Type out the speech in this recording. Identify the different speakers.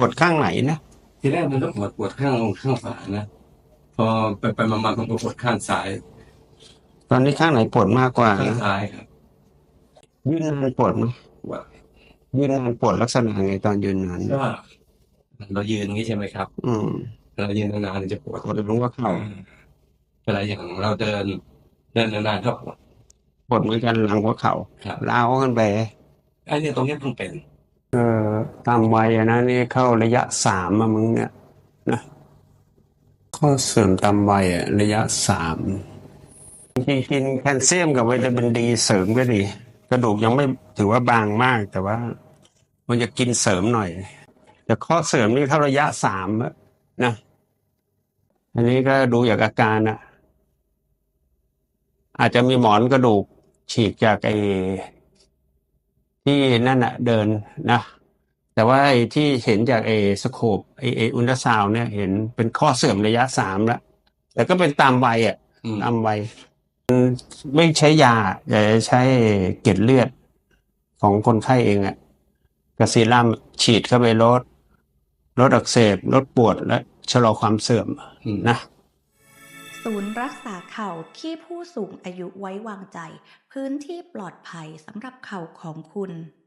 Speaker 1: วดข้างไหนนะ
Speaker 2: ทีแรกมันก็ปวดข้างขวานะพอไปมามันก็ปวดข้างซ้าย
Speaker 1: ตอนนี้ข้างไหนปวดมากกว่า
Speaker 2: ข้าง
Speaker 1: นะ
Speaker 2: ซ้ายครับ
Speaker 1: ยืนนานปวดไหม
Speaker 2: ปวด
Speaker 1: ยืนนานปวดลักษณะไงตอนยืนนาน
Speaker 2: ก็เรายืนอย่างนี้ใช่ไหมครับ
Speaker 1: อืม
Speaker 2: เรายืนนานๆจะปวด
Speaker 1: ปวดรู้ว่าเข่า
Speaker 2: เวลาอย่างเราเดินนานๆก็ปวด
Speaker 1: ปวดเหมือนกันหลังหัวเข่า
Speaker 2: ครับ
Speaker 1: ล้าวขึ้นไป
Speaker 2: ไอ้เนี่ยตรงนี้เพิ่งเป็น
Speaker 1: ตามวัยอะนะนี่เข้าระยะสามอะมึงเนี่ยนะข้อเสื่อมตามวัยอะระยะสามจริงๆกินแคลเซียมกับวิตามินดีเสริมก็ดีกระดูกยังไม่ถือว่าบางมากแต่ว่ามันจะกินเสริมหน่อยแต่ข้อเสื่อมนี่เข้าระยะสามอะนะอันนี้ก็ดูจากอาการอะอาจจะมีหมอนกระดูกฉีกจากไอ้ที่นั่นอะเดินนะแต่ว่าไอ้ที่เห็นจากไอ้สโคปไอ้อุลตราซาวน์เนี่ยเห็นเป็นข้อเสื่อมระยะสามแล้วแต่ก็เป็นตามวัยอะ
Speaker 2: อืม
Speaker 1: ตามวัยไม่ใช้ยาอย่าใช้เกล็ดเลือดของคนไข้เองอะกับซีรั่มฉีดเข้าไปลดอักเสบลดปวดและชะลอความเสื่อม
Speaker 2: อืม
Speaker 1: นะ
Speaker 3: ศูนย์รักษาเข่าที่ผู้สูงอายุไว้วางใจพื้นที่ปลอดภัยสำหรับเข่าของคุณ